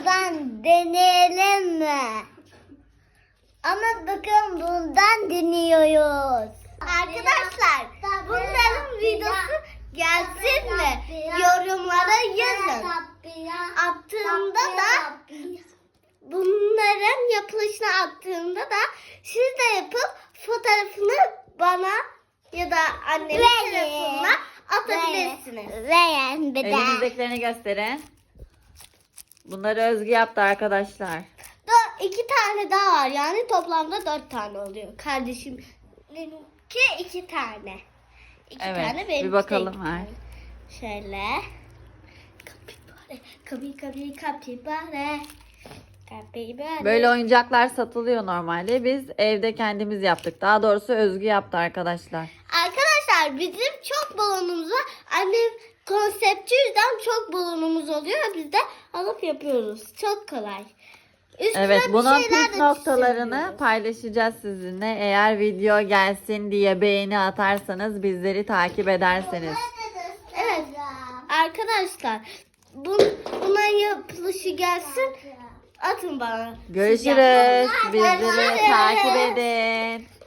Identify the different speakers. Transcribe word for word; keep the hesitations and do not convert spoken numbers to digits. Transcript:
Speaker 1: bundan deneyelim mi? Ama bakın bundan deniyoruz. Arkadaşlar bunların videosu gelsin mi? Yorumlara yazın. Attığımda da bunların yapılışını attığımda da siz de yapıp fotoğrafını bana ya da annemin telefonuna atabilirsiniz. Verin bir de.
Speaker 2: Elinizdekilerini gösterin. Bunları Özgü yaptı arkadaşlar.
Speaker 1: Da iki tane daha var. Yani toplamda dört tane oluyor. Kardeşim benimki iki tane. İki
Speaker 2: Evet,
Speaker 1: tane
Speaker 2: bir
Speaker 1: benimki
Speaker 2: bakalım
Speaker 1: de iki
Speaker 2: ver.
Speaker 1: tane. Şöyle. Kapibare, kapi kapi kapibare. Kapibare.
Speaker 2: Böyle oyuncaklar satılıyor normalde. Biz evde kendimiz yaptık. Daha doğrusu Özgü yaptı arkadaşlar.
Speaker 1: Arkadaşlar bizim çok balonumuz var. Annem konseptçi yüzden çok balonumuz oluyor. Biz de alıp yapıyoruz. Çok kolay. Üstüne
Speaker 2: Evet,
Speaker 1: bir
Speaker 2: bunun
Speaker 1: şeyler
Speaker 2: püf
Speaker 1: de
Speaker 2: noktalarını
Speaker 1: çizebiliyoruz.
Speaker 2: paylaşacağız sizinle. Eğer video gelsin diye beğeni atarsanız, bizleri takip ederseniz.
Speaker 1: Evet. Arkadaşlar bu, buna yapılışı gelsin. Atın bana.
Speaker 2: Görüşürüz.
Speaker 1: Siz
Speaker 2: Bizleri
Speaker 1: yapın.
Speaker 2: takip edin.